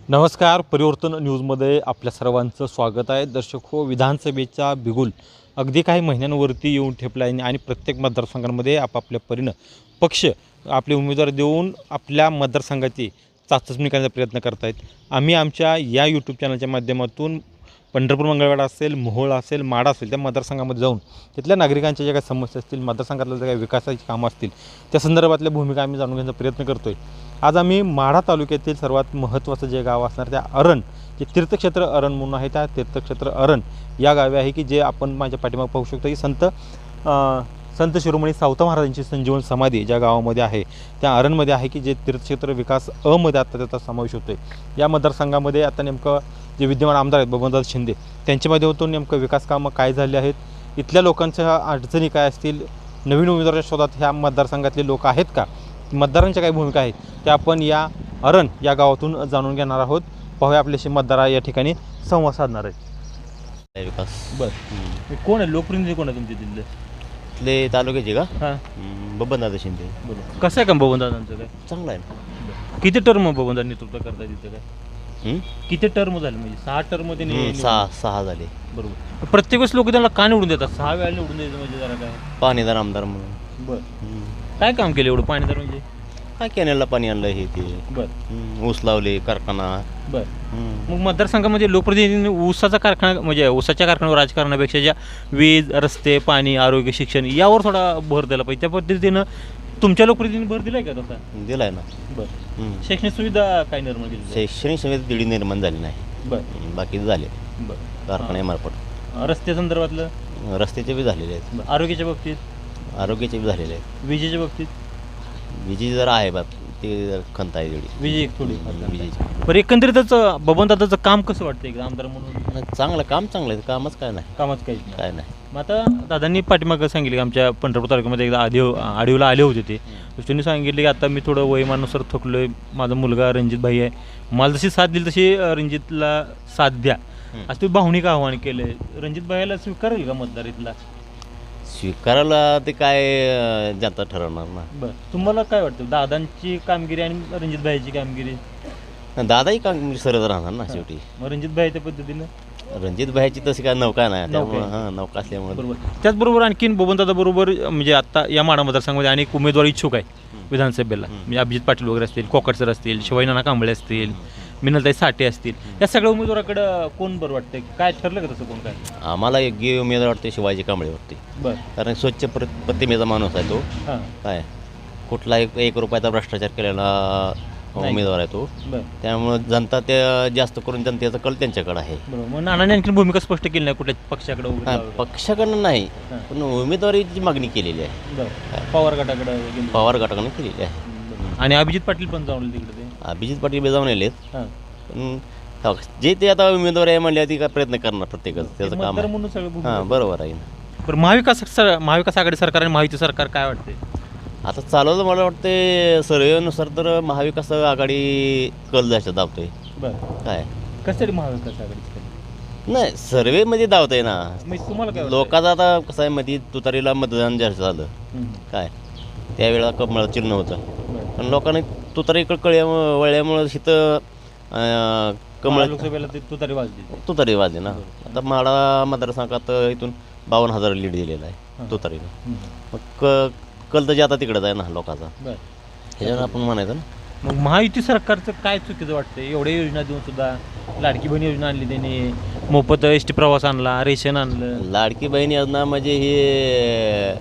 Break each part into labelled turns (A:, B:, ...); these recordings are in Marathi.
A: नमस्कार, परिवर्तन न्यूजमध्ये आपल्या सर्वांचं स्वागत आहे. दर्शक हो, विधानसभेचा बिगुल अगदी काही महिन्यांवरती येऊन ठेपला आहे आणि प्रत्येक मतदारसंघांमध्ये आपापल्या परीनं पक्ष आपले उमेदवार देऊन आपल्या मतदारसंघाची चाचपणी करण्याचा प्रयत्न करत आहेत. आम्ही आमच्या या यूट्यूब चॅनलच्या माध्यमातून पंढरपूर मंगळवेढा असेल, मोहोळ असेल, माढा असेल, त्या मतदारसंघामध्ये जाऊन तिथल्या नागरिकांच्या ज्या काही समस्या असतील, मतदारसंघातल्या ज्या काही विकासाची कामं असतील, त्या संदर्भातल्या भूमिका आम्ही जाणून घेण्याचा प्रयत्न करतो आहे. आज आम्ही माढा तालुक्यातील सर्वात महत्त्वाचं जे गाव असणार त्या अरण, जे तीर्थक्षेत्र अरण म्हणून आहे, त्या तीर्थक्षेत्र अरण या गावी आहे की जे आपण माझ्या पाठीमागे पाहू शकतो की संत शिरोमणी सावता महाराजांची संजीवन समाधी ज्या गावामध्ये आहे त्या अरणमध्ये आहे की जे तीर्थक्षेत्र विकास अमध्ये आता त्याचा समावेश होतो आहे. या मतदारसंघामध्ये आता नेमकं जे विद्यमान आमदार आहेत बबनदादा शिंदे त्यांच्या माध्यमातून नेमकं विकास कामं काय झाले आहेत, इथल्या लोकांच्या अडचणी काय असतील, नवीन उमेदवाराच्या शोधात ह्या मतदारसंघातले लोक आहेत का, मतदारांच्या काही भूमिका आहेत त्या आपण या अरण या गावातून जाणून घेणार आहोत. पाहूया आपल्याशी मतदार या ठिकाणी संवाद साधणार आहेत.
B: विकास
A: बरं, कोण आहे लोकप्रतिनिधी, कोण आहे तुमच्या तिथले?
B: इथले तालुक्याचे का?
A: हां,
B: बबनदादा शिंदे.
A: बरोबर. कसं आहे का बबनदादांचं काय?
B: चांगला आहे ना.
A: किती टर्म बबनदादा नेतृत्व करताय तिथं काय? किती टर्म झाले म्हणजे 6 टर्ममध्ये?
B: सहा झाले.
A: बरोबर. प्रत्येक वेळेस लोक त्यांना का निवडून देतात? 6 वेळा निवडून द्यायचं म्हणजे जरा काय?
B: पाणीदार आमदार म्हणून.
A: बरं. काय काम केलं एवढं पाणीदार म्हणजे?
B: काय कॅनेलला पाणी आणलं हे ते.
A: बरं
B: ऊस लावले, कारखाना.
A: बरं. मग मतदारसंघामध्ये लोकप्रतिनिधींनी ऊसाचा कारखाना म्हणजे ऊसाच्या कारखान्यावर राजकारणापेक्षा ज्या वीज, रस्ते, पाणी, आरोग्य, शिक्षण यावर थोडा भर दिला पाहिजे. त्या पद्धतीनं तुमच्या लोकप्रतिनिधींनी भर दिलाय का तसा?
B: दिलाय ना.
A: बरं. शैक्षणिक सुविधा काय निर्माण केली?
B: शैक्षणिक सुविधा दिडी निर्माण झाली नाही.
A: बरं.
B: बाकी झाले
A: बरं.
B: कारखान्यामार्फत.
A: रस्ते संदर्भातलं?
B: रस्त्याचे बी झालेले आहेत.
A: आरोग्याच्या बाबतीत?
B: आरोग्याचे बी झालेले आहेत.
A: विजेच्या बाबतीत?
B: विजेची जरा आहे बाप, ते जरा खंत आहे तेवढी
A: विजय थोडी
B: विजेची.
A: बरं. एकंदरीतच बबनदादाचं काम कसं वाटतं एकदा आमदार म्हणून?
B: चांगलं चांगलं आहे. कामच काय नाही.
A: कामच काहीच नाही.
B: काय नाही.
A: मग आता दादांनी पाठीमागं सांगितलं की आमच्या पंढरपूर तालुक्यामध्ये एकदा आढीवला आले होते ते. त्यांनी सांगितले की आता मी थोडं वयमानुसार थकलो आहे, माझा मुलगा रणजित भाई आहे, मला जशी साथ दिली तशी रणजितला साथ द्या, असं तुम्ही भावनिक आव्हान केलं आहे. रणजित भाईला स्वीकारेल का मतदार इथला?
B: स्वीकारायला ते काय जनता ठरवणार ना.
A: बरं. तुम्हाला काय वाटतं दादांची कामगिरी आणि रणजित भाईची कामगिरी?
B: दादाही कामगिरी सरळ राहणार ना शेवटी.
A: मग रणजित भाई त्या पद्धतीनं?
B: रणजित भाईची तशी काय नौका नाही त्यामुळे नौका असल्यामुळे.
A: बरोबर. त्याचबरोबर आणखीन बबनदादा बरोबर म्हणजे आता या माढा मतदारसंघामध्ये अनेक उमेदवार इच्छुक आहे विधानसभेला. म्हणजे अभिजित पाटील वगैरे असतील, कोकट सर असतील, शिवाजी नाना कांबळे असतील, मिनलताई साठे असतील, या सगळ्या उमेदवाराकडं कोण बरं वाटतं? काय ठरलं का तसं कोण? काय
B: आम्हाला योग्य उमेदवार वाटते शिवाजी कांबळे वाटते.
A: बरं.
B: कारण स्वच्छ प्रतिमेचा माणूस आहे तो.
A: हां.
B: काय कुठला एक रुपयाचा भ्रष्टाचार केलेला उमेदवार आहे तो.
A: बरं.
B: त्यामुळे जनता ते जास्त करून जनतेचा कल त्यांच्याकडे आहे.
A: बरोबर. मग नानाने आणखी भूमिका स्पष्ट केली नाही कुठल्या पक्षाकडे वगैरे?
B: पक्षाकडनं नाही, पण उमेदवारीची मागणी केलेली आहे.
A: बरं. पवार गटाकडे गेले.
B: पवार गटाकडनं केलेली आहे.
A: आणि अभिजित पाटील पण जाऊन तिकडे ते?
B: अभिजित पाटील बेजावून आलेत.
A: हां.
B: पण जे ते आता उमेदवार आहे म्हणले ती काय प्रयत्न करणार प्रत्येकच त्याचं काम
A: मतदार
B: आहे.
A: म्हणून सगळं भूमिका.
B: हां, बरोबर आहे ना.
A: बरं. महाविकास आघाडी सरकार आणि महायुती सरकार काय वाटते?
B: आता चालवलं मला वाटते सर्वेनुसार तर महाविकास आघाडी कल जास्त दाबतोय.
A: बरं.
B: काय
A: कसं महाविकास आघाडी?
B: नाही, सर्वेमध्ये दावतोय ना.
A: म्हणजे तुम्हाला काय
B: लोकांचं आता कसं आहे मध्ये तुतारीला मतदान जास्त झालं. काय त्यावेळेला कमळ चिन्ह होतं, पण लोकांनी तुतारीकडे वळल्यामुळं इथं कमळ
A: लोकसभेला
B: तुतारी वाजली ना. आता माढा मतदारसंघात इथून 52,000 लीड दिलेला आहे तुतारीनं. मग कल तर जे आता तिकडंच आहे ना लोकांचा. ह्याच्यावर आपण म्हणायचं ना.
A: मग महायुती सरकारचं काय चुकीचं वाटतं? एवढ्या योजना देऊन सुद्धा लाडकी बहीण योजना आणली त्यांनी, मोफत एसटी प्रवास आणला, रेशन आणलं.
B: लाडकी बहीण योजना म्हणजे हे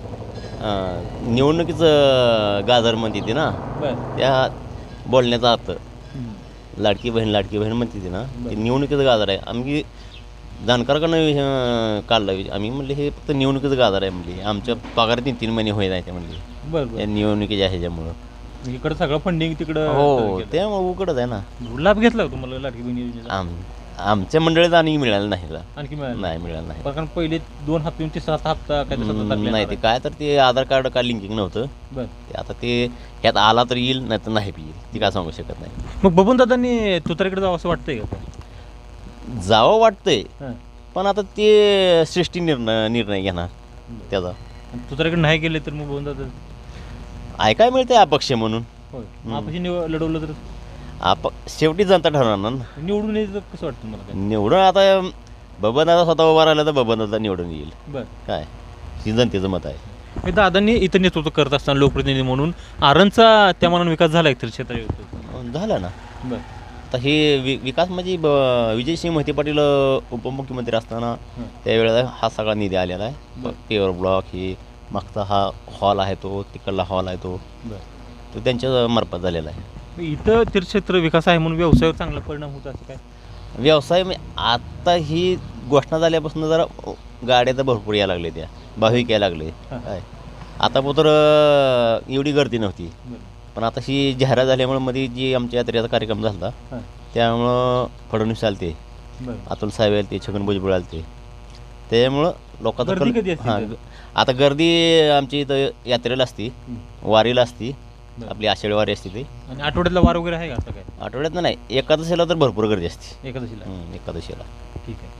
B: निवडणुकीचं गाजर म्हणते ती ना. त्या बोलण्याचा अर्थ लाडकी बहीण म्हणते ती ना, ते निवडणुकीचं गाजर आहे. आम्ही जाणकाराकडनं काढलं, आम्ही म्हणले हे फक्त निवडणुकीचं गाजर आहे म्हणले, आमच्या पगार 3 महिने होत नाही ते म्हणले.
A: बरं.
B: या निवडणुकीच्या ह्याच्यामुळं
A: इकडं सगळं फंडिंग तिकडं.
B: हो, त्यामुळे उकडच आहे ना.
A: लाभ घेतला का तुम्हाला लाडकी बहीण योजनेचा?
B: आमच्या मंडळीत आणि मिळालं नाही.
A: आणखी
B: मिळालं नाही.
A: कारण पहिले 2 हप्ते 3रा हप्ता काय
B: नाही, ते काय तर ते आधार कार्ड काय लिंकिंग नव्हतं.
A: बरं.
B: ते आता ते ह्यात आला तर येईल, नाही तर नाही येईल, ती काय सांगू शकत नाही.
A: मग बबनदादांनी तुतारीकडे जावं असं वाटतंय का?
B: जावं वाटतंय, पण आता ते सृष्टी निर्णय घेणार त्याचा.
A: तुतारीकडे नाही गेले तर मग बबनदादा
B: ऐकाय मिळतंय अपक्ष म्हणून.
A: होय. आपण लढवलं तर
B: शेवटी जनता ठरवणार ना.
A: निवडून यायचं कसं वाटतं मला काय?
B: निवडून आता बबनदादा स्वतः उभा राहिला तर बबनदादा निवडून येईल.
A: बरं.
B: काय ही जनतेचं मत आहे.
A: हे दादांनी इथं नेतृत्व करत असताना लोकप्रतिनिधी म्हणून आरणचा त्या मनानं विकास झाला एक तर क्षेत्रात.
B: झाला ना.
A: बरं.
B: आता हे विकास म्हणजे विजयसिंह मोहिते पाटील उपमुख्यमंत्री असताना त्यावेळेला हा सगळा निधी आलेला आहे. पेवर ब्लॉक ही मागचा हा हॉल आहे तो, तिकडला हॉल आहे तो त्यांच्या मार्फत झालेला आहे.
A: इथं तीर्थक्षेत्र विकास आहे म्हणून व्यवसायावर चांगला परिणाम होत असं काय?
B: व्यवसाय आता ही घोषणा झाल्यापासून जरा गाड्या तर भरपूर यायला लागले, त्या भाविक यायला लागले. काय आता तर एवढी गर्दी नव्हती, पण आता ही जाहिरात झाल्यामुळे मध्ये जी आमच्या यात्रेचा कार्यक्रम झाला त्यामुळं फडणवीस आलते, अतुल साहेब आले ते, छगन भुजबळ आलते, त्यामुळं लोकांचा आता गर्दी आमची इथं यात्रेला असती, वारीला असती, आपली आषाढी वारी असते ती.
A: आणि आठवड्यातला वार वगैरे आहे का असं काय?
B: आठवड्यात नाही, एकादशीला तर भरपूर गर्दी असते.
A: एकादशीला?
B: एकादशीला.
A: ठीक आहे.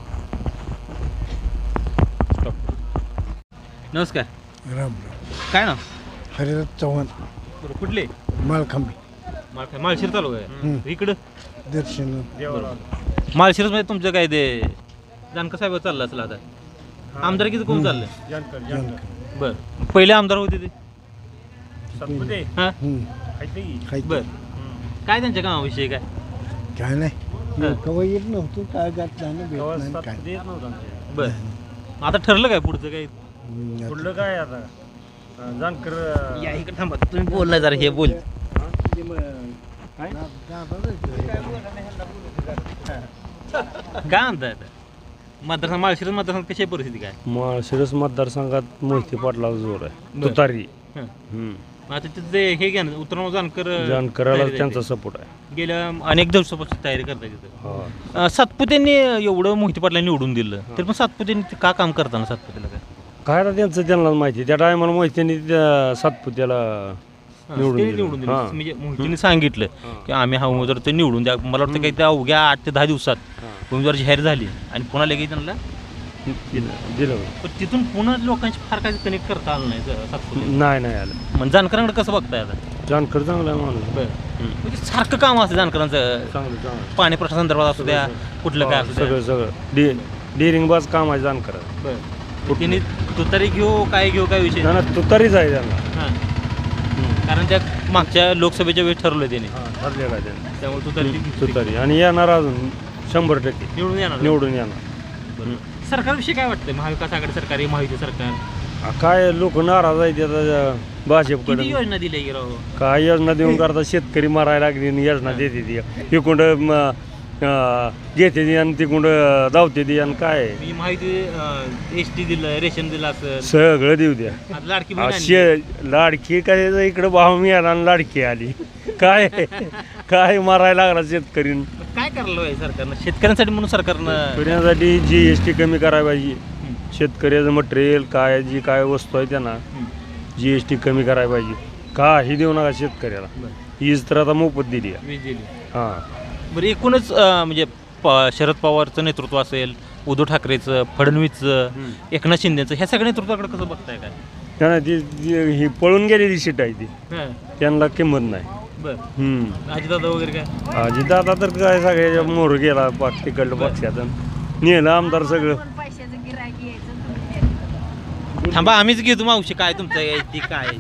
A: स्टॉप. नमस्कार.
C: राम
A: काय ना?
C: हरिराज चव्हाण.
A: बरं, कुठले?
C: माळखांबी.
A: माळशिरस तालुका आहे. इकडं
C: दर्शन.
A: माळशिरस मध्ये तुमचं काय ते जानकर साहेब चाललं असेल आता? आमदारकीचं कोण चाललंय? बरं. पहिले आमदार होते ते? हां. बरं. काय त्यांच्या कामाविषयी काय?
C: काय नाही, कवा येत नव्हतं, काय घातलं काय.
A: बरं. आता ठरलं काय पुढचं काय?
D: पुढलं काय आता जानकर
A: या इकडे थांबा, तुम्ही बोलला जरा, हे बोल. काय म्हणताय आता मतदारसंघ, माळशिरस मतदारसंघ कशी आहे परिस्थिती काय?
D: माळशिरस मतदारसंघात मोहिते पाटलाचा जोर आहे, तुतारी.
A: आता तिथे हे घ्या ना, उत्तराव
D: जानकराला त्यांचा सपोर्ट आहे.
A: गेल्या अनेक दिवसापासून तयारी करताय तिथं. सातपुतेंनी एवढं मोहिते पाटला निवडून दिलं तरी पण सातपुतेंनी का काम करताना सातपुतेला
D: काय आता त्यांचं त्यांना माहिती. त्या टायमाला मोहित्यांनी सातपुत्याला निवडून
A: दिलं? म्हणजे मोहितेंनी सांगितलं की आम्ही हा उमेदवार ते निवडून द्या. मला वाटतं काही त्या अवघ्या 8 ते 10 दिवसात उमेदवार जाहीर झाली आणि पुन्हा लगेच त्यांना
D: दिलं.
A: पण तिथून पुन्हा लोकांची फार काही कनेक्ट करता आलं नाही सातपुते.
D: नाही आलं.
A: म्हणजे जानकरांकडे कसं बघताय आता?
D: जानकर चांगला आहे माणूस.
A: म्हणजे सारखं काम असतं जानकरांचं,
D: चांगलं
A: पाणी प्रश्नासंदर्भात असू द्या, कुठलं काय असू द्या,
D: सगळं डेअरिंगबाज काम आहे जानकर.
A: त्यांनी तुतारी घेऊ काय विषय
D: नाही, तुतारीच आहे त्यांना.
A: हां. कारण त्या मागच्या लोकसभेच्या वेळेस ठरवलं त्याने,
D: ठरलेलं आहे त्यांना.
A: त्यामुळे
D: तुतारी आणि येणार अजून 100% निवडून येणार.
A: सरकारविषयी काय वाटतंय? महाविकास आघाडी सरकार, महायुती सरकार,
D: काय लोक नाराज आहेत आता भाजपकडे.
A: किती योजना दिल्या की राव?
D: काय योजना देऊन करता, शेतकरी मारायला लागली आणि योजना देते ती. इकुंड घेते ती आणि तिकुंड धावते ती आणि काय
A: मी माहिती एसटी दिलं, रेशन दिलं असं
D: सगळं देऊ द्या.
A: लाडकी बहीण आणली.
D: लाडकी काय इकडं भाव मिळाला आणि लाडकी आली. काय मारायला लागला शेतकरी.
A: काय करायला पाहिजे सरकारनं शेतकऱ्यांसाठी म्हणून? सरकारनं
D: शेतकऱ्यांसाठी GST कमी करायला पाहिजे. शेतकऱ्याचं मटेरियल काय जी काय वस्तू आहे त्यांना GST कमी करायला पाहिजे. काही देऊ नका शेतकऱ्याला. वीज तर आता मोफत दिली आहे.
A: वीज दिली.
D: हां.
A: बरं, एकूणच म्हणजे शरद पवारचं नेतृत्व असेल, उद्धव ठाकरेचं, फडणवीसचं, एकनाथ शिंदेचं, ह्या सगळ्या नेतृत्वाकडे कसं बघताय काय?
D: त्यांना ती ही पळून गेलेली सीट आहे ती, त्यांना किंमत नाही.
A: बरं. अजितदादा वगैरे काय?
D: अजितदादा तर काय सगळ्याच्या मोर गेला तिकडलं पक्षातून नेलं आमदार सगळं.
A: थांबा, आम्हीच घेतो मावशी. काय तुमचं ती काय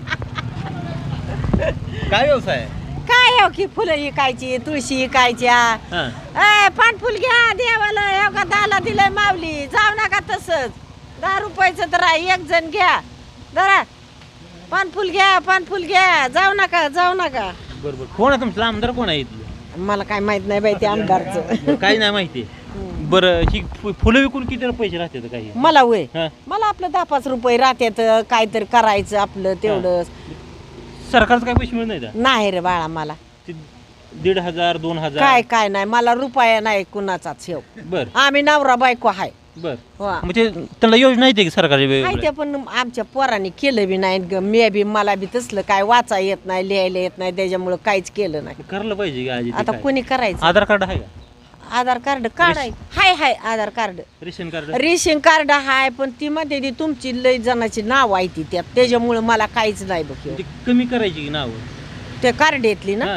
A: व्यवसाय आहे?
E: काय हो की फुलं विकायची, तुळशी विकायच्या. पानफुल घ्या देवाला, हो का दाला दिलंय माऊली, जाऊ नका तसंच. 10 रुपयाचं तर आहे, एक जण घ्या जरा. पानफुल घ्या, जाऊ नका.
A: बरोबर. कोण आहे तुमचं आमदार? कोण आहे इथलं?
E: मला काय माहित नाही बाई ते आमदारचं.
A: काही नाही माहिती. बरं, ही फुलं विकून किती पैसे राहतात काही?
E: मला वय मला आपलं 10-5 रुपये राहतात, काय तर करायचं आपलं तेवढं.
A: सरकारचं काय पैसे मिळत नाही?
E: नाही रे बाळा, मला
A: 1,500 2,000
E: काय नाही. मला रुपया नाही कुणाचाच ठेव.
A: बरं.
E: आम्ही नवरा बायको आहे.
A: बरं. म्हणजे त्यांना योजना येते की सरकारची?
E: ते पण आमच्या पोरांनी केलं बी नाही. मला बी तसलं काय वाचा येत नाही, लिहायला येत नाही, त्याच्यामुळे काहीच केलं नाही.
A: करायला पाहिजे.
E: आता कोणी करायचं?
A: आधार कार्ड आहे का?
E: आधार कार्ड हाय आधार कार्ड, रेशन कार्ड हाय. पण ती मध्ये ती तुमची लय जणांची नाव आहे ती त्यात, त्याच्यामुळे मला काहीच नाही बघ.
A: कमी करायची की नाव
E: ते कार्ड येतली ना.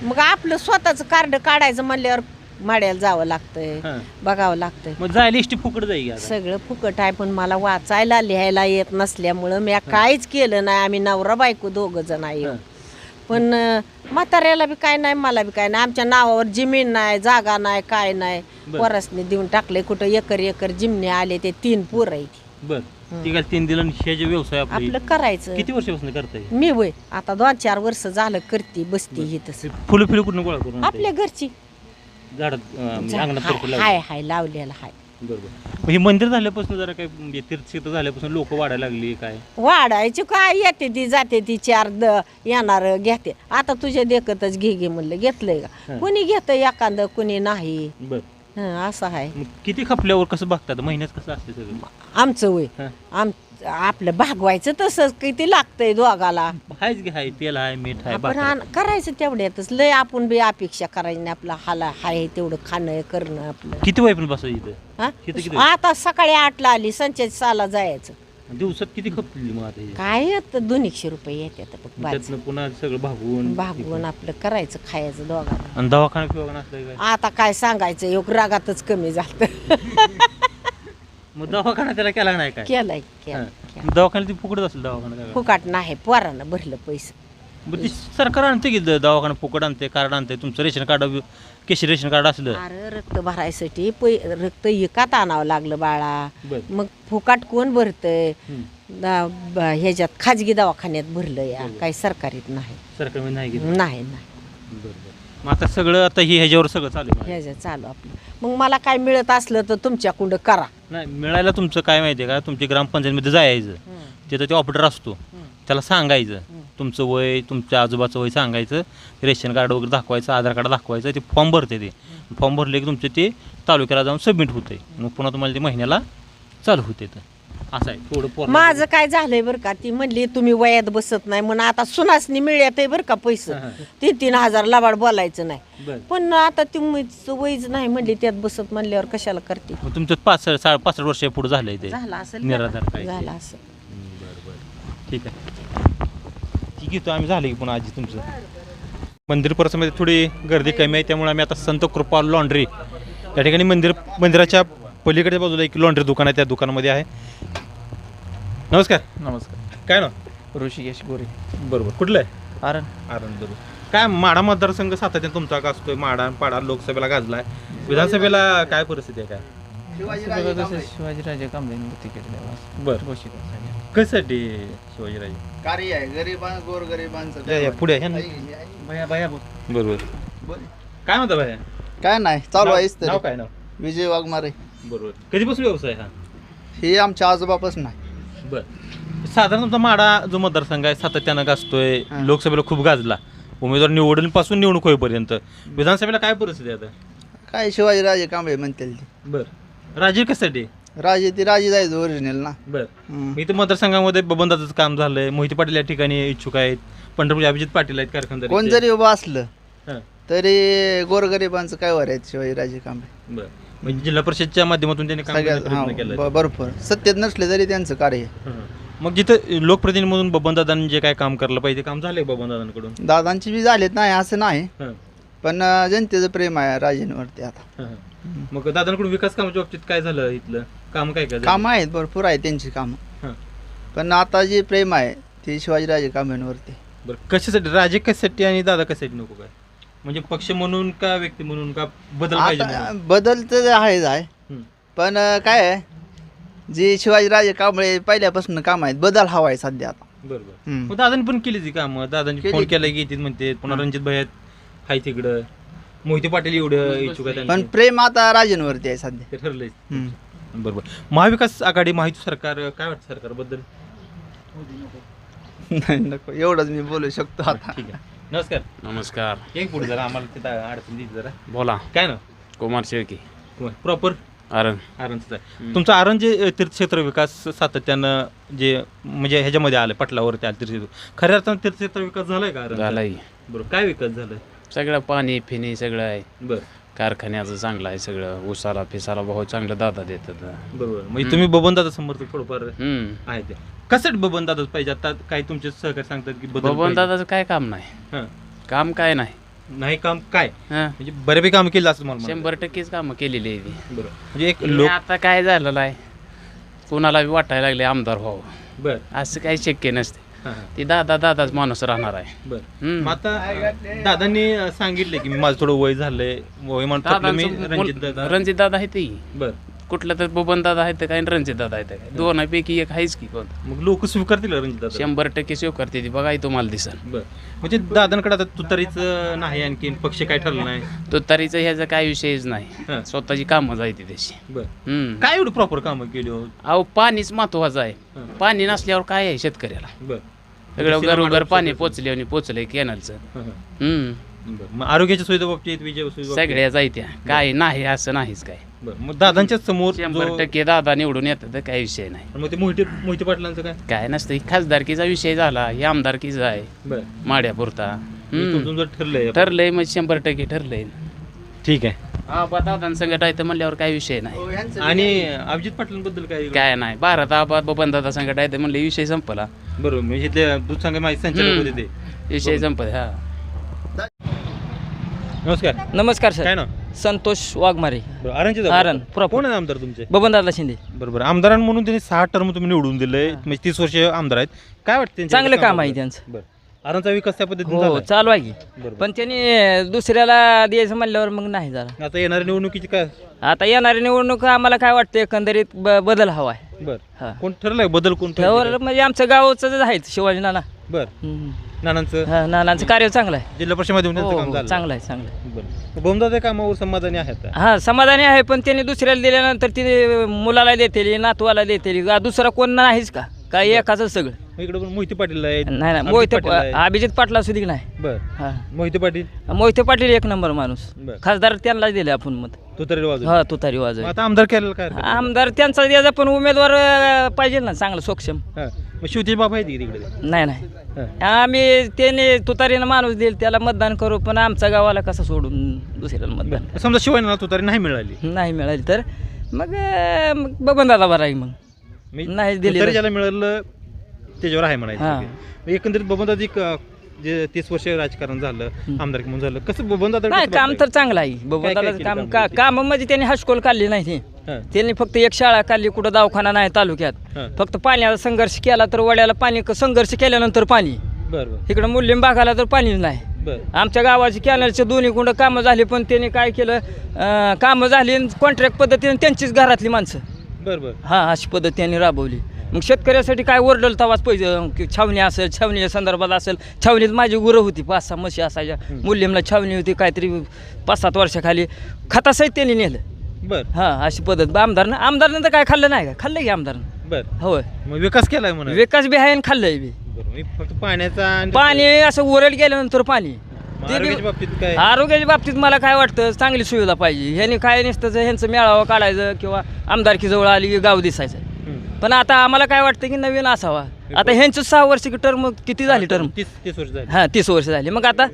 E: मग आपलं स्वतःचं कार्ड काढायचं म्हणल्यावर माड्याला जावं लागतंय,
A: हां.
E: बघावं लागतंय.
A: मग जायला इष्टी फुकट जाईल
E: सगळं फुकट आहे, पण मला वाचायला लिहायला येत नसल्यामुळं मी काहीच केलं नाही. आम्ही नवरा बायको दोघं जण आहे. पण म्हाताऱ्याला बी काय नाही, मला बी काय नाही. आमच्या नावावर जमीन नाही, जागा नाही, काय नाही. वरसने देऊन टाकले. कुठं एकर एकर जिमने आले, ते 3 पोरं आहेत.
A: बर ती काय 3 दिलं हे जे व्यवसाय आपले
E: आपलं करायचं.
A: किती वर्षापासून करताय?
E: मी वय आता 2-4 वर्ष झालं करते, बसते ही तसं.
A: फुलं फिलं कुठून गोळा करून आणताय?
E: आपल्या घरची
A: झाडात अंगणात भरपूर लावली.
E: हाय लावलेला हाय.
A: बरोबर. हे मंदिर झाल्यापासून जरा काय म्हणजे तीर्थक्षेत्र झाल्यापासून लोक वाढायला लागली काय?
E: वाढायची काय, येते ती जाते ती 4 येणार घेते. आता तुझ्या देखतच घे म्हणलं, घेतलंय का? कुणी घेतं एखादं, कुणी नाही.
A: बर
E: असं आहे.
A: मग किती खपल्यावर कसं बघतात? महिन्यात कसं असते सगळं?
E: आमचं वय आपलं भागवायचं तसंच किती लागतंय दोघाला.
A: हायच घे, हाय तेल आहे, मीठ आहे,
E: आपण
A: भाकर.
E: करायचं तेवढ्यातच. लय आपण बी अपेक्षा करायची नाही. आपला हाला हाय तेवढं खाणं करणं आपलं.
A: किती वय पण बसायचं इथं?
E: हा?
A: किती?
E: आता सकाळी 8ला आली, संचेत 6ला जायचं.
A: दिवसात किती खपली मग आता हे?
E: काय येतं 200 रुपये येतात बघ.
A: त्यातनं पुन्हा सगळं
E: भागवून आपलं करायचं, खायचं दोघांना.
A: आणि दवाखाना फिवाखाना असलं काय?
E: आता काय सांगायचं, एक रागातच कमी झालं.
A: मग दवाखाना त्याला केला नाही काय?
E: केलंय
A: दवाखान्यात ती फुकटच असेल दवाखाना काय?
E: फुकाट नाही, पोरानं भरलं पैसे.
A: बरं ती सरकार आणते की दवाखाना फुकट आणते, कार्ड आणते. तुमचं रेशन कार्ड केशी रेशन कार्ड असलं
E: अरे रक्त भरायसाठी रक्त एकात आणावं लागलं बाळा.
A: बरं.
E: मग फुकाट कोण भरतय? ह्याच्यात खाजगी दवाखान्यात भरलं या, काही सरकारीत नाही.
A: सरकारमध्ये नाही घेत?
E: नाही
A: बरं. मग आता सगळं आता ही ह्याच्यावर सगळं चालू आहे.
E: ह्याच्यात चालू आपलं. मग मला काय मिळत असलं तर तुमच्याकडं करा.
A: नाही मिळायला तुमचं काय माहिती आहे का? तुमच्या ग्रामपंचायतमध्ये जायचं, तिथं ते ऑपरेटर असतो, त्याला सांगायचं तुमचं वय, तुमच्या आजोबाचं वय सांगायचं, रेशन कार्ड वगैरे दाखवायचं, आधार कार्ड दाखवायचं. ते फॉर्म भरते. ते फॉर्म भरले की तुमचे ते तालुक्याला जाऊन सबमिट होते. मग पुन्हा तुम्हाला ते महिन्याला चालू होते. असं आहे थोडं.
E: माझं काय झालंय बरं का, ती म्हणली तुम्ही वयात बसत नाही म्हणून आता सुनासनी मिळत आहे बरं का पैसे. 3-3 हजार लबाड बोलायचं नाही. पण आता तुम्ही वयच नाही म्हणली त्यात बसत म्हणल्यावर कशाला करते.
A: मग तुमचं 65 वर्ष पुढे झालंय ते
E: झालं असेल
A: निराधार काय?
E: झालं असं.
A: ठीक आहे, ठीक आहे. आम्ही झालं की पुन्हा आजी तुमचं मंदिर परिसरामध्ये थोडी गर्दी कमी आहे, त्यामुळे आम्ही आता संत कृपा लॉन्ड्री या ठिकाणी मंदिराच्या पलीकडच्या बाजूला एक लॉन्ड्री दुकान आहे, त्या दुकानामध्ये आहे. नमस्कार. काय ना?
F: ऋषिकेश गोरे.
A: बरोबर. कुठलं आहे?
F: आरण.
A: बरोबर. काय माढा मतदारसंघ सातत्याने तुमचा का असतोय? माढा पाडा लोकसभेला गाजलाय, विधानसभेला काय परिस्थिती आहे काय?
F: शिवाजीराजे कांबळे तिकीट द्यावा.
A: बरं. कशासाठी शिवाजीराजे?
C: कार्य आहे गोरगरिबांचं.
A: पुढे आहे ना?
F: भया
A: बरोबर. काय म्हणता भाई?
C: काय नाही चालू आहे
A: नाव काय नाव?
C: विजय वाघमारे.
A: बरोबर. कधीपासून व्यवसाय हा?
C: हे आमच्या आजोबापासून नाही.
A: बरं. साधारण तुमचा माढा जो मतदारसंघ आहे सातत्यानं गाजतोय, लोकसभेला खूप गाजला, उमेदवार निवडणुकीपासून निवडणूक होईपर्यंत. विधानसभेला काय परिस्थिती आहे आता?
C: काय शिवाजीराजे कांबळे म्हणतील ते.
A: बरं. राजे कशासाठी?
C: राजे जायचं ओरिजिनल ना.
A: बरं. इथं मतदारसंघामध्ये बबनदादाचं काम झालंय, मोहिते पाटील या ठिकाणी इच्छुक आहेत, पंढरपूर अभिजित पाटील आहेत कारखानदार.
C: कोण जरी उभं असलं
A: हां.
C: तरी गोरगरिबांचं काय वर आहेत शिवाजीराजे कांबळे.
A: बरं. म्हणजे जिल्हा परिषदच्या माध्यमातून त्यांनी काम करण्याचा प्रयत्न केलाय.
C: सगळ्यात भरपूर सत्तेत नसले तरी त्यांचं कार्य.
A: मग जिथं लोकप्रतिनिधी म्हणून बबनदादांनी जे काय काम करलं पाहिजे काम झालंय बबनदादांकडून.
C: दादांची बी झालेत नाही असं नाही,
A: हां.
C: पण जनतेचं प्रेम आहे राजेंवरती आता.
A: मग दादांकडून विकास कामाच्या बाबतीत काय झालं? इथलं काम काय झालं?
C: कामं आहेत भरपूर आहे त्यांची कामं,
A: हां.
C: पण आता जे प्रेम आहे ते शिवाजीराजे कांबळेंवरती.
A: बरं. कशासाठी राजे कशासाठी आणि दादा कशासाठी नको काय? म्हणजे पक्ष म्हणून का व्यक्ती म्हणून का बदल पाहिजे
C: आता
A: म्हणून?
C: बदल तर आहेच आहे, पण काय आहे जे शिवाजीराजे कांबळे पहिल्यापासून काम आहेत, बदल हवा आहे सध्या आता.
A: बरोबर. मग दादांनी पण केली ती कामं. दादांनी
C: केली.
A: फोन केला की येतील म्हणते, पुन्हा रणजित भाई हाय तिकडं, मोहिते पाटील एवढं इच्छुक आहे
C: पण
A: त्यांचे.
C: प्रेम आता राजेंवरती आहे सध्या.
A: ते ठरलंय. बरोबर. महाविकास आघाडी महायुती सरकार काय वाटतं सरकारबद्दल?
C: नाही नको एवढंच मी बोलू शकतो आता.
A: ठीक आहे. नमस्कार.
F: नमस्कार.
A: एक पुढे जरा आम्हाला तिथं अडचण दिली जरा.
F: बोला.
A: काय ना
F: कुमार शेळके.
A: प्रॉपर
F: आरण.
A: आरणचं आहे तुमचं. आरण जे तीर्थक्षेत्र विकास सातत्यानं जे म्हणजे ह्याच्यामध्ये आलं, पटलावरती आलं तीर्थक्षेत्र, खऱ्या अर्थानं तीर्थक्षेत्र विकास झालाय का आरण?
F: झालाय.
A: बरोबर. काय विकास झालाय?
F: सगळं पाणी फिनी सगळं आहे.
A: बरं.
F: कारखान्याचं चांगलं आहे सगळं. उसाला फिसाला बहुत चांगलं दादा देतात.
A: बरोबर. म्हणजे तुम्ही बबनदादा समर्थक थोडंफार आहे ते. कसं बबनदादाच पाहिजे आता? काही तुमचे सहकारी सांगतात की
F: बबन दादाचं काय काम नाही.
A: हां.
F: काम काय नाही.
A: नाही काम काय
F: हां
A: म्हणजे बऱ्यापैकी काम केलं असं मला म्हणायचं.
F: 100%च कामं केलेली आहे ती.
A: बरं म्हणजे एक
F: हे
A: लोक
F: आता काय झालेलं आहे कुणाला बी वाटायला लागले आमदार व्हावं
A: बर
F: असं काही शक्य नसते
A: हां हां
F: ती दादाच माणूस राहणार आहे
A: बर
F: हम्म.
A: मग आता दादांनी सांगितलं की माझं थोडं वय झालंय वय म्हणतात मी रणजित दादा
F: रणजित दादा आहे ते
A: बर
F: कुठलं तर बबन दादा आहे तर काय रणजित दादा आहे तर काय दोनापैकी एक आहेच की कोण
A: मग लोक स्वीकारतील रणजित दादा
F: 100% सेव करते ती बघा तुम्हाला दिसल
A: बर म्हणजे दादांकडे आता तुतारीच नाही आणखीन पक्ष काय ठरलं नाही
F: तो तरीचं ह्याचा काय विषयच नाही
A: हां.
F: स्वतःची कामं जायती त्याची
A: बर
F: हम्म.
A: काय एवढं प्रॉपर कामं केली हो
F: अहो पाणीच महत्वाचं आहे
A: हां.
F: पाणी नसल्यावर काय आहे शेतकऱ्याला
A: बर
F: सगळं
A: सिनेमा
F: घरोघर
A: मंडप
F: पाणी
A: सगळं.
F: पोचले आणि पोचलंय कॅनलचं
A: हां, हां.
F: हम्म
A: बरं. मग आरोग्याच्या सुविधा बाबतीत विजय सुविधा बाबतीत?
F: सगळ्या जायत्या काय नाही असं नाहीच काय
A: बरं मग दादांच्या समोर
F: 100% दादा निवडून येतात तर काही विषय नाही
A: मग ते मोहिते पाटलांचं काय
F: काय नसतं खासदारकीचा विषय झाला हे आमदारकीचा आहे
A: बरं
F: माड्यापुरता
A: तुमचं जर ठरलंय
F: ठरलंय मग 100% ठरलंय
A: ठीक आहे
F: हा दादांसंगत आहे तर म्हणल्यावर काही विषय नाही
A: आणि अभिजित पाटलांबद्दल काय
F: काय नाही भारत आबाद बबन दादा संगत आहे तर म्हणले विषय संपला
A: बरोबर म्हणजे इथले दूध संघ माहिती संचालक होते ते
F: विषय संपला हा
A: नमस्कार
G: नमस्कार सर.
A: काय ना
G: संतोष वाघमारे,
A: बरं आरणचे
G: आरण, proper.
A: कोण आहे आमदार तुमचे
G: बबनदादा शिंदे.
A: बरोबर आमदारां म्हणून त्यांनी 6 टर्म तुम्ही निवडून दिले म्हणजे 30 वर्ष आमदार आहेत काय वाटतं त्यांच्या
G: चांगलं काम
A: कामाबद्दल?
G: आहे त्यांचं.
A: बरं आरणचा विकास त्या पद्धतीने
G: हो
A: झालाय?
G: चालू आहे की.
A: बरोबर.
G: पण त्यांनी दुसऱ्याला द्यायचं म्हणल्यावर मग नाही झालं.
A: आता येणाऱ्या निवडणुकीची काय
G: आता येणारी निवडणूक आम्हाला काय वाटतं एकंदरीत बदल हवा आहे.
A: बरं
G: हा.
A: कोण ठरलंय बदल कोण
G: त्यावर म्हणजे आमचं गावचं आहे शिवाजी नाना.
A: बरं
G: हम्म.
A: नानांचं
G: हा, नानांचं कार्य चांगलं आहे.
A: जिल्हा परिषद मध्ये
G: हो,
A: काम
G: हो,
A: झालं
G: चांगलं आहे चांगलं आहे.
A: बरं बोमदादा कामावर समाधानी आहेत का?
G: हा समाधानी आहे पण त्यांनी दुसऱ्याला दिल्यानंतर तिने मुलाला देतेली नातवाला देतेली दुसरा कोण नाहीच का काय एकाच सगळं.
A: इकडे पण मोहिते पाटील आहेत
G: नाही नाही
A: अभिजित
G: मोहिते
A: पाटील आहेत.
G: अभिजित पाटला सुद्धा नाही.
A: बरं
G: हा
A: मोहिते पाटील
G: मोहिते पाटील एक नंबर माणूस.
A: बरं.
G: खासदार त्यांना दिले आपण मत.
A: तो तरी वाजव
G: हा तुतारी वाजव.
A: आता आमदार केलेलं काय हरकत नाही.
G: आमदार त्यांचा द्यायचा पण उमेदवार पाहिजे ना चांगला सक्षम.
A: हा. मग शिवतेज बाबा आहेत की तिकडे
G: नाही नाही
A: हा.
G: आम्ही त्याने तुतारीनं माणूस देईल त्याला मतदान करू पण आमच्या गावाला कसं सोडून दुसऱ्याला मतदान
A: समजा शिवाय तो तरी नाही मिळाली
G: नाही मिळाली तर मग बबनदादा बरा आहे मग. नाही दिली
A: तरी
G: तर.
A: ज्याला मिळालं त्याच्यावर आहे
G: हा.
A: म्हणायचं एकंदरीत बबनदादी जे 30 वर्ष राजकारण झालं आमदार म्हणून झालं कसं बबनदादा
G: नाही काम तर चांगलं आहे बबनदादाचं
A: केली
G: काम
A: कामं?
G: काम म्हणजे त्यांनी हायस्कूल काढली नाही ती.
A: हा.
G: त्यांनी फक्त एक शाळा काढली कुठं दवाखाना नाही तालुक्यात.
A: हा.
G: फक्त पाण्याचा संघर्ष केला तर वड्याला पाणी संघर्ष केल्यानंतर पाणी
A: बरं बरं
G: इकडं मुलीम भागाला तर पाणीच नाही.
A: बरं
G: आमच्या गावाची कॅनलचे दोन्ही कुंड कामं झाली पण त्यांनी काय केलं कामं झाली कॉन्ट्रॅक्ट पद्धतीने त्यांचीच घरातली माणसं
A: बरं बरं
G: हां अशी पद्धत त्यांनी राबवली. मग शेतकऱ्यासाठी काय ओरडल तवाच पैसे की छावणी असेल छावणीच्या संदर्भात असेल छावणीत माझी गुरं होती 5-6 म्हशी असायच्या मुलीमला छावणी होती काहीतरी 5-7 वर्षाखाली खतासहित त्यांनी नेलं.
A: बरं
G: हां अशी पद्धत आमदारनं तर काय खाल्लं नाही का खाल्लं की आमदारनं.
A: बरं
G: होय
A: मग विकास केलाय म्हणा
G: विकास बी आहे आणि खाल्लंय बी.
A: बरं मी फक्त पाण्याचा आणि
G: पाणी असं ओरड गेल्यानंतर पाणी
A: मग
G: ते बी-
A: आरोग्याच्या बाबतीत काय
G: आरोग्याच्या बाबतीत मला काय वाटतं चांगली सुविधा पाहिजे. ह्यांनी काय नसतं ह्यांचं मेळावा काढायचं किंवा आमदारकी जवळ आली की गाव दिसायचं.
A: हम्म.
G: पण आता आम्हाला काय वाटतं की नवीन असावा. आता ह्यांचं 6 वर्ष टर्म किती झाली टर्म
A: 30 वर्ष झाली
G: हां 30 वर्ष झाली. मग आता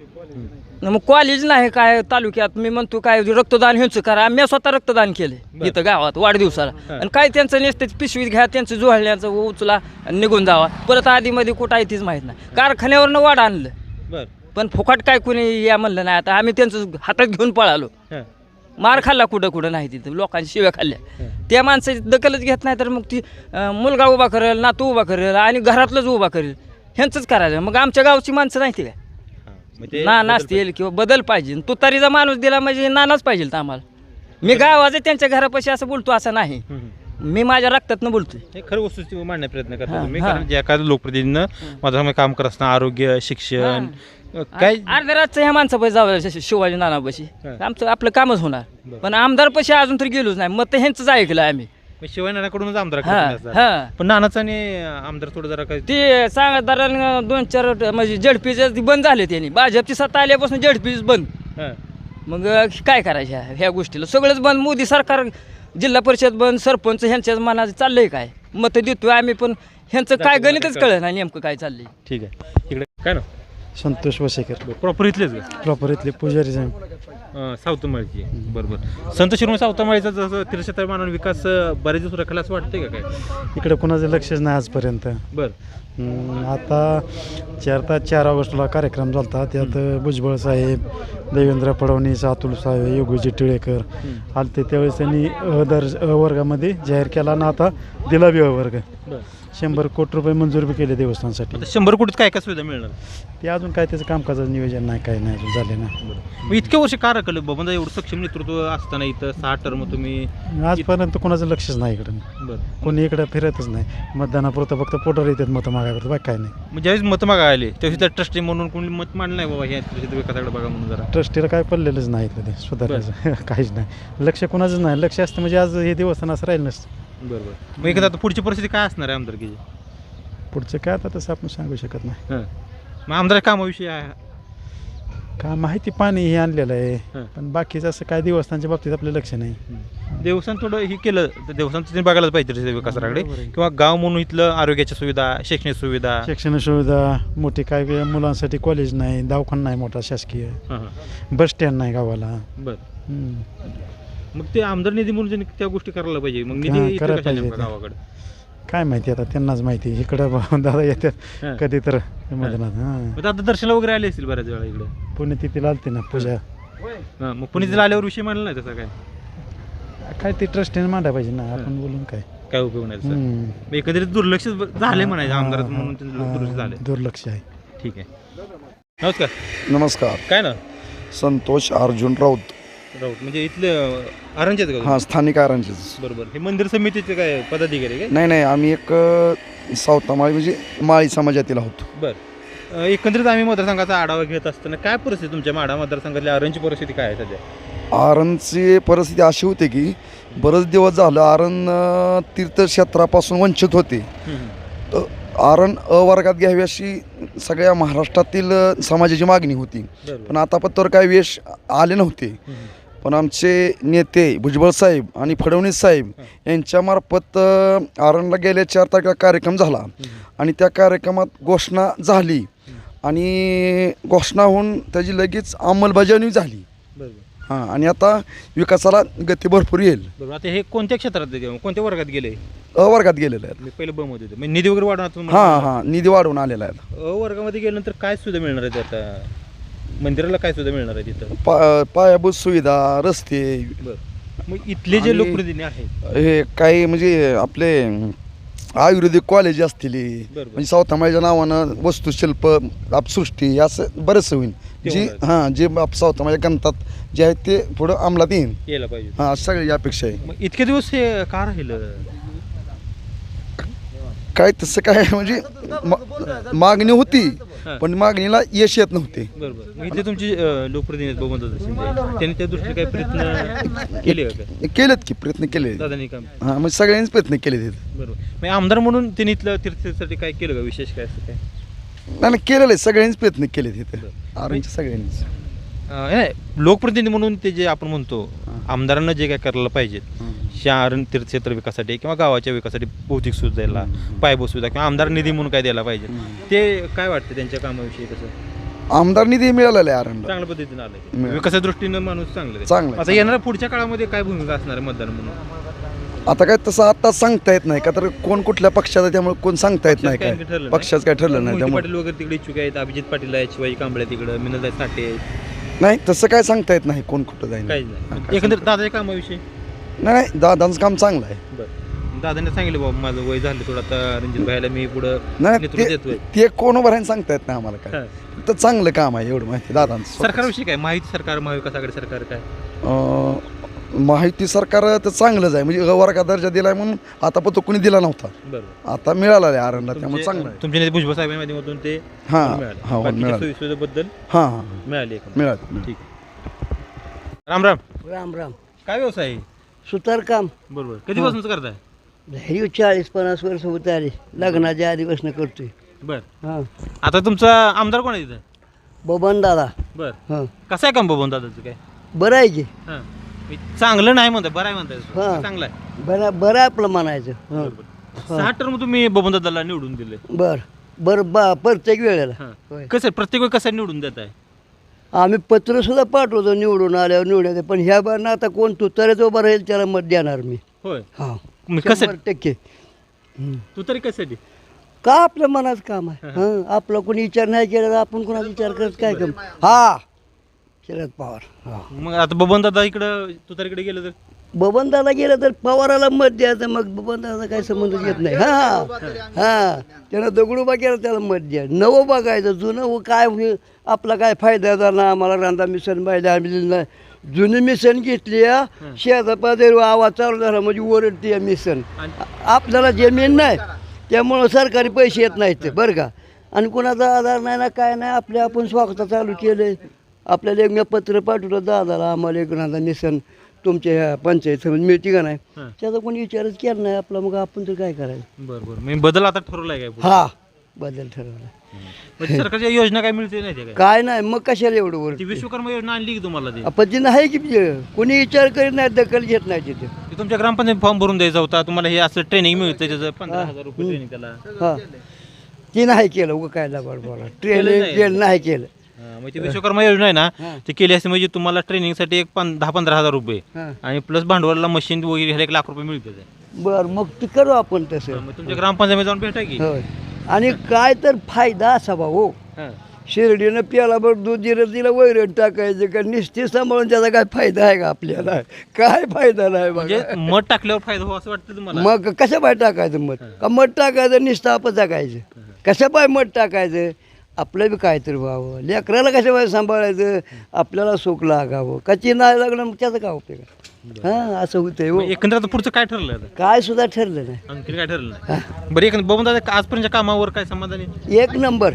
G: मग कॉलेज नाही काय तालुक्यात मी म्हणतो काय रक्तदान ह्यांचं करा. मी स्वतः रक्तदान केलं
A: बरं.
G: इथं गावात वाढदिवसाला.
A: हां.
G: आणि काय त्यांचं नसतं पिशवीत घ्या त्यांचं जुळण्याचं उचला आणि निघून जावा परत आधीमध्ये कुठं आहे तीच माहीत नाही. कारखान्यावरनं वाढ आणलं
A: बरं
G: पण फुकट काय कुणी या म्हणलं नाही. आता आम्ही त्यांचं हातात घेऊन पळालो.
A: हां
G: मार खाल्ला कुठं नाही तिथं लोकांची शिव्या खाल्ल्या. त्या माणसाची दखलच घेत नाही तर मग ती मुलगा उभा करेल नातू उभा करेल आणि घरातलंच उभा करेल ह्यांचंच करायचं. मग आमच्या गावची माणसं नाही ती काय
A: हां. मग ते
G: नाना असतील किंवा बदल पाहिजे. तुतारीचा माणूस दिला म्हणजे नानाच पाहिजे तर आम्हाला. मी गावाचं त्यांच्या घरापाशी असं बोलतो असं नाही.
A: हम्म.
G: मी माझ्या रक्तातनं बोलतोय.
A: हे खरं वस्तुस्थिती मांडण्याचा प्रयत्न करतो
G: हां,
A: तुम्ही
G: हां.
A: कारण जे एखाद्या लोकप्रतिनिधीनं माझं काम करत असताना आरोग्य शिक्षण काय
G: अर्ध्या रातचं ह्या माणसापाशी जावं शिवाजी नानापाशी
A: हां.
G: आमचं आपलं कामच होणार.
A: बरं.
G: पण आमदारपाशी अजून तरी गेलोच नाही. मग तर ह्यांचंच ऐकलं आम्ही.
A: मग शिवाय नानाकडूनच आमदार
G: हां
A: करत असतात.
G: हां
A: पण नानाचं आणि आमदार थोडं जरा काय
G: ते सांगदारांना 2-4 म्हणजे जडपीचे बंद झाले त्यांनी. भाजपची सत्ता आल्यापासून जडपीच बंद.
A: हां.
G: मग काय करायचं ह्या गोष्टीला सगळंच बंद. मोदी सरकार जिल्हा परिषद बंद सरपंच ह्यांच्याच मनाचं चाललंय काय मत देतोय आम्ही पण ह्यांचं काय गणितच कळलं नाही नेमकं काय चाललंय.
A: ठीक आहे इकडे काय ना
H: संतोष वसेकर
A: प्रॉपर इथलेच का
H: प्रॉपर इथले पुजारी साहेब.
A: सावतमाळीची बरोबर. संत शिरोमणी सावतमाळीचा जसं तीर्थक्षेत्र मानून विकास बरेच दिवस रखला असं वाटतंय का काय?
H: इकडे कोणाचं लक्षच नाही आजपर्यंत. आता 4 ऑगस्टला कार्यक्रम झाला होता. त्यात भुजबळ साहेब, देवेंद्र फडणवीस, अतुल साहेब, योगीजी टिळेकर आलते. त्यावेळेस त्यांनी अ वर्गामध्ये जाहीर केला ना, आता दिला बी अ वर्ग. 100 कोटी रुपये मंजूर बी केले देवस्थानासाठी.
A: 100 कोटीत काय काय सुविधा मिळणार?
H: ते अजून काय त्याचं कामकाजाचं नियोजन नाही, काय नाही अजून झाले ना.
A: मग इतक्या वर्ष का रखलं बाबा? एवढं सक्षम नेतृत्व असताना इथं 6 टर्म तुम्ही
H: आजपर्यंत कोणाचं लक्षच नाही इकडं.
A: बरं.
H: कोणी इकडं फिरतच नाही. मतदानापुरतं फक्त पोटर येतात मतं मागायला, बाकी काय नाही.
A: मग ज्यावेळेस मतं मागा आले त्यावेळेस त्या ट्रस्टी म्हणून कोणी मत मांडलं नाही बाबा ह्या विकासाकडे बघा म्हणून जरा?
H: ट्रस्टीला काय पडलेलंच नाही इथलं ते सुधारायचं काहीच नाही. लक्ष कोणाचंच नाही. लक्ष असतं म्हणजे आज हे देवस्थान असं राहिलं नसतं.
A: बरोबर. मग एखादा आता पुढची परिस्थिती काय असणार आहे आमदारकीची?
H: पुढचं काय आता तसं आपण सांगू शकत नाही.
A: मग आमदार कामाविषयी आहे
H: का माहिती पाणी हे आणलेलं आहे,
A: हं.
H: पण बाकीचं असं काय देवस्थानच्या बाबतीत आपलं लक्ष नाही.
A: देवस्थान थोडं हे केलं तर देवस्थान तुम्ही बघायलाच पाहिजे विकासाकडे, किंवा गाव म्हणून इथलं आरोग्याच्या सुविधा, शैक्षणिक सुविधा.
H: शिक्षण सुविधा मोठी, काय काय मुलांसाठी कॉलेज नाही, दवाखाना नाही मोठा शासकीय, बस स्टँड नाही गावाला.
A: बरं.
H: हं.
A: मग ते आमदार निधी म्हणून त्यांनी त्या गोष्टी करायला पाहिजे. मग
H: हां,
A: निधी
H: करायला
A: इथं कशाला
H: पाहिजे
A: नेमका
H: ते.
A: गावाकडे?
H: काय माहिती आता त्यांनाच माहिती. इकडं दादा
A: हं.
H: येतात कधी तर मधनात. हां,
A: मग आता दर्शनाला वगैरे आले असतील बऱ्याच वेळा इकडे.
H: पुण्यतिथीला आलते ना पूजा.
A: मग पुणे आल्यावर विषय मांडला नाही तसा काय?
H: काय ते ट्रस्टीने मांडायला पाहिजे ना, आपण बोलून काय.
A: काय उपयोग नाही तसा.
H: हं.
A: मग एकंदरीत दुर्लक्ष झाले म्हणायचं आमदार म्हणून त्यांचं दुर्लक्ष झाले.
H: दुर्लक्ष आहे.
A: ठीक आहे. नमस्कार.
I: नमस्कार.
A: काय ना
I: संतोष अर्जुन राऊत.
A: राऊत म्हणजे इथले आरंजेत का?
I: हां, स्थानिक आरांचेच.
A: बरोबर. हे मंदिर समितीचे काय पदाधिकारी काय?
I: नाही, आम्ही एक सावतामाळी म्हणजे माळी समाजातील आहोत.
A: बरं. एकंदरीत आम्ही मतदारसंघाचा आढावा घेत असताना काय परिस्थिती तुमच्या माढा मतदारसंघातली आरणची परिस्थिती काय आहे सध्या?
I: आरणची परिस्थिती अशी होती की बरेच दिवस झालं आरण तीर्थक्षेत्रापासून वंचित होते. तर आरण अ वर्गात घ्यावी अशी सगळ्या महाराष्ट्रातील समाजाची मागणी होती. पण आतापर्यंत काही यश आले नव्हते. पण आमचे नेते भुजबळ साहेब आणि फडणवीस साहेब यांच्यामार्फत आरणला गेल्या 4 तारखेला कार्यक्रम झाला आणि त्या कार्यक्रमात घोषणा झाली आणि घोषणा होऊन त्याची लगेच अंमलबजावणी झाली. हां, आणि आता विकासाला गती भरपूर येईल.
A: बरोबर. आता हे कोणत्या क्षेत्रात कोणत्या वर्गात गेले?
I: अ वर्गात गेलेलं आहे.
A: मी पहिलं ब मध्ये होते म्हणजे निधी वगैरे वाढवून.
I: हां, निधी वाढवून आलेला आहे.
A: अ वर्गामध्ये गेल्यानंतर काय सुविधा मिळणार आहे आता? मंदिराला काय सुविधा मिळणार आहे तिथं?
I: पायाभूत सुविधा, रस्ते.
A: बरं. मग इथले जे लोकप्रतिनिधी आहेत
I: हे काही म्हणजे आपले आयुर्वेदिक कॉलेज असतील, म्हणजे सावतामाळीच्या नावानं वस्तुशिल्प, आपसृष्टी असं बरंच होईल. जी जे सावतामाळ्या गणतात जे आहेत ते पुढं अंमलात येईल.
A: यायला पाहिजे.
I: हां, सगळी अपेक्षा आहे.
A: मग इतके दिवस हे का राहिलं?
I: काय तसं काय म्हणजे मागणी होती, पण मागणीला यश येत नव्हते.
A: बरोबर. मग इथे तुमची लोकप्रतिनिधी बबनदादा शिंदे त्यांनी त्या दृष्टीने काही प्रयत्न केले का काय?
I: केलेत की प्रयत्न केले.
A: दादानी काम.
I: हां, म्हणजे सगळ्यांनीच प्रयत्न केले तिथे.
A: बरोबर. मग आमदार म्हणून त्यांनी इथलं तीर्थासाठी काय केलं का विशेष काय असं काय?
I: नाही, केलेलं आहे. सगळ्यांनीच प्रयत्न केले तिथे. आरणच्या सगळ्यांनीच.
A: लोकप्रतिनिधी म्हणून ते जे आपण म्हणतो आमदारांना जे काय करायला पाहिजेत शहर तीर्थक्षेत्र विकासासाठी किंवा गावाच्या विकासासाठी भौतिक सुविधा द्यायला, पायाभूत सुविधा किंवा आमदार निधी म्हणून काय द्यायला पाहिजे, ते काय वाटतं त्यांच्या कामाविषयी? कसं
I: आमदार निधी मिळालेला आहे आरणला.
A: चांगल्या पद्धतीने आलं विकासाच्या दृष्टीनं माणूस चांगलं
I: चांगलं.
A: आता येणाऱ्या पुढच्या काळामध्ये काय भूमिका असणार आहे मतदार म्हणून?
I: आता काय तसं आता सांगता येत नाही का, तर कोण कुठल्या पक्षाचा त्यामुळे कोण सांगता येत नाही काय. पक्षाचं काय ठरलं नाही
A: मोहिते
I: त्यामुळे.
A: पाटील वगैरे तिकडे इच्छुक आहेत, अभिजित पाटील आहेत, शिवाजी कांबळे तिकडं, मिनलदाई साठे आहेत.
I: नाही, तसं काय सांगता येत नाही कोण कुठं जाईल.
A: काहीच नाही. एकंदरीत दादाच्या कामाविषयी
I: नाही, दादांचं काम चांगलं आहे.
A: बरं. दादाने सांगितलं बाबा माझं वय झालं थोडं, आता रणजित भाईला मी पुढं
I: नाही,
A: नेतृत्व देतोय.
I: ते कोण उभं राहील सांगता येत नाही आम्हाला काय. तर चांगलं काम आहे एवढं माहिती दादांचं.
A: सरकारविषयी काय माहिती? सरकार महाविकास आघाडी सरकार काय
I: माहिती सरकार तर चांगलंच आहे. म्हणजे वर्गात दर्जा दिलाय म्हणून आता पण तो कोणी दिला नव्हता,
A: बरोबर
I: आता मिळाला आहे आरणला, त्यामुळे चांगलं आहे.
A: तुमच्या नेते भुजबळ साहेबांच्या माध्यमातून ते
I: हां,
A: मिळालं.
I: हां,
A: बाकीच्या
I: मिळालं.
A: सोयीसुविधाबद्दल
I: हां,
A: मिळाली
I: मिळालं.
A: ठीक आहे. राम राम.
J: राम राम.
A: काय व्यवसाय आहे?
J: सुतारकाम.
A: बरोबर. कधीपासून करताय?
J: हे 40-50 वर्ष होत आले, लग्नाच्या आधीपासून करतोय.
A: बर.
J: हां,
A: आता तुमचा आमदार कोण आहे तिथं?
J: बबन दादा.
A: बर.
J: हां,
A: कसं आहे काम बबन दादाचं काय?
J: बरं आहे की.
A: हां. चांगलं नाही म्हणताय, बरं आहे म्हणताय?
J: हां.
A: चांगलं आहे.
J: बरं आहे आपलं म्हणायचं. हां,
A: 6 टर्म तुम्ही बबन दादाला निवडून दिले.
J: बरं प्रत्येक वेळेला.
A: हां.
J: होय.
A: कसं प्रत्येक वेळी कसं निवडून देत आहे?
J: आम्ही पत्रसुद्धा पाठवतो निवडून आल्यावर निवडायचं, पण ह्या बारनं आता कोण तुतारीच उभं राहील त्याला मत देणार मी.
A: होय
J: हां
A: मग कसं
J: 100%.
A: तू तरी कशासाठी
J: का आपल्या मनाचं काम आहे. हां आपला कोणी विचार नाही केला तर आपण कोणाचा विचार करत काय काम. हा शरद पवार. हां
A: मग आता बबन दादा इकडं तू तर इकडे गेलं तर
J: बबनदाला गेलं तर पवाराला मत द्यायचं, मग बबनदाचा काही संबंध येत नाही. हां हां त्यानं दगडूबा केला त्याला मत द्या. नवं बघायचं जुनं काय होईल आपला काय फायदा झाला. आम्हाला रांधा मिशन पाहिजे आम्ही दिलं नाही. जुनी मिशन घेतली शेजापाजारी आवाज चालू झाला म्हणजे ओरडते मिशन. आपल्याला जमीन नाही त्यामुळं सरकारी पैसे येत नाहीत बरं का. आणि कोणाचा आधार नाही ना काय नाही आपल्या आपण स्वागत चालू केलं. आपल्याला एक पत्र पाठवलं दादाला आम्हाला एक रांधा मिशन तुमच्या ह्या पंचायत समिती मिळते का नाही त्याचा कोणी विचारच केला नाही आपला. मग आपण तर काय करायचं.
A: बरं बरं मी बदल आता ठरवलाय काय पुढे?
J: हा बदल ठरवला.
A: म्हणजे सरकारच्या योजना काय मिळते नाही ते काय
J: काय नाही मग कशाला एवढं वर.
A: ती विश्वकर्मा योजना आणली की तुम्हाला ती
J: आपण तिनं आहे की कोणी विचार करीत नाही दखल घेत नाही तिथे.
A: ती तुमच्या ग्रामपंचायत फॉर्म भरून द्यायचा होता तुम्हाला हे असं ट्रेनिंग मिळतं त्याचं 15,000 रुपये ट्रेनिंग त्याला
J: हां ती नाही केलं उगं काय लाभाड बोला ट्रेनिंग केलं नाही केलं.
A: मग ती विश्वकर्मा योजना आहे ना ती केली असते म्हणजे तुम्हाला ट्रेनिंगसाठी एक 10-15,000 रुपये
J: हां
A: आणि प्लस भांडवलाला मशीन वगैरे घ्यायला 1 लाख रुपये मिळते.
J: बरं मग ते करू आपण तसं.
A: मग तुमच्या ग्रामपंचायतीमध्ये जाऊन भेटा की
J: होय आणि काय तर फायदा असावा हो. शिर्डीनं प्याला बरं दूध दिलं वैरण टाकायचं का निश्चित सांभाळून त्याचा काय फायदा आहे का आपल्याला. काय फायदा नाही
A: म्हणजे
J: बघा.
A: मध टाकल्यावर फायदा हो असं वाटतं तुम्हाला.
J: मग कशा पाय टाकायचं मध का मध टाकायचं निस्तापच टाकायचं कशा पाय मध टाकायचं. आपलं बी काहीतरी व्हावं लेकराला कशा पाय सांभाळायचं आपल्याला सुख लागावं कची नाही लागलं मग त्याचा काय उपयोग आहे. हां असं होतंय हो.
A: एकंदरीत पुढचं काय ठरलं आता?
J: काय सुद्धा ठरलं नाही.
A: आणखी काय ठरलं नाही? बरं एकंदर बघून दादा आजपर्यंतच्या कामावर काय समाधानी?
J: एक नंबर.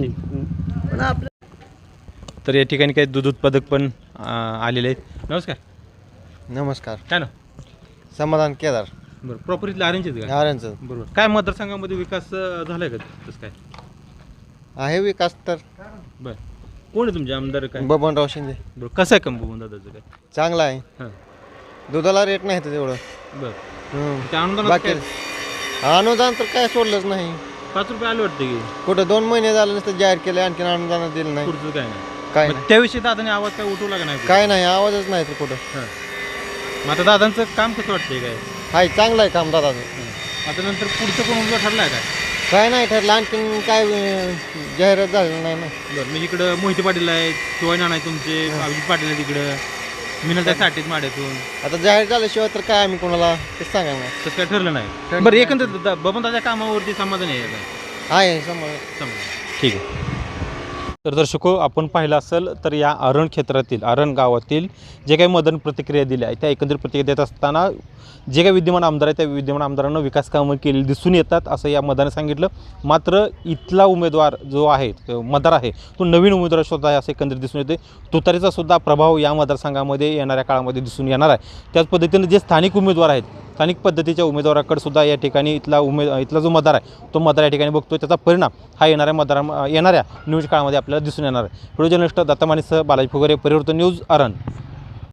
J: पण आपलं
A: तर या ठिकाणी काही दूध उत्पादक पण आलेले आहेत. नमस्कार.
K: नमस्कार.
A: काय ना
K: समाधान केदार
A: बरं प्रॉपर इथलं आरेंजच का?
K: नारायणचं
A: बरोबर. काय मतदारसंघामध्ये विकास झालाय का तसं काय?
K: आहे विकास तर
A: बरं कोण आहे तुमचे आमदार काय?
K: बबनराव शिंदे.
A: बरं कसं आहे कंबून दादाचं काय?
K: चांगला आहे.
A: हां
K: दुधाला रेट नाही तर तेवढं.
A: बरं ते अनुदान
K: बाकी अनुदान तर काय सोडलंच नाही.
A: 5 रुपये आले वाटतं की
K: कुठं 2 महिने झालं नसतं जाहीर केलं आणखीन अनुदान दिलं नाही.
A: पुढचं काय नाही.
K: काय
A: मग त्याविषयी दादाने आवाज काय उठवला का नाही?
K: काय नाही आवाजच नाही तर कुठं.
A: हां मग आता दादांचं काम कसं वाटतंय काय?
K: हाय चांगलं आहे काम दादाचं.
A: आता नंतर पुढचं कोण उमेदवार ठरलाय काय?
K: काय नाही ठरलं आणखीन काय जाहिरात झालं नाही ना.
A: बरं मी इकडं मोहिते पाटील आहेत शिवाय नाना आहे तुमचे अभिजित पाटील आहेत इकडं मिनलताई साठीच माड्यातून.
K: आता जाहीर झाल्याशिवाय तर काय आम्ही कोणाला ते सांगा ना.
A: तसं काय ठरलं नाही. बरं एकंदरीत बबन दादा कामावरती समाधान आहे का?
K: आहे समाधान.
A: ठीक आहे. तर दर्शको आपण पाहिलं असेल तर या अरण क्षेत्रातील अरण गावातील जे काही मदन प्रतिक्रिया दिल्या आहेत त्या एकंदरीत प्रतिक्रिया देत असताना जे काही विद्यमान आमदार आहेत त्या विद्यमान आमदारांना विकास कामं केलेली दिसून येतात असं या मतदाराने सांगितलं. मात्र इथला उमेदवार जो आहे मतदार आहे तो नवीन उमेदवार शोधत आहे असं एकंदरीत दिसून येते. तुतारीचा सुद्धा प्रभाव या मतदारसंघामध्ये येणाऱ्या काळामध्ये दिसून येणार आहे. त्याच पद्धतीने जे स्थानिक उमेदवार आहेत स्थानिक पद्धतीच्या उमेदवाराकडे सुद्धा या ठिकाणी इथला जो मतदार आहे तो मतदार या ठिकाणी बघतो. त्याचा परिणाम हा येणाऱ्या निवडणूक काळामध्ये आपल्याला दिसून येणार आहे. व्हिडिओ जर्नलिस्ट दत्ता मानेसह बालाजी फुगरे परिवर्तन न्यूज अरण.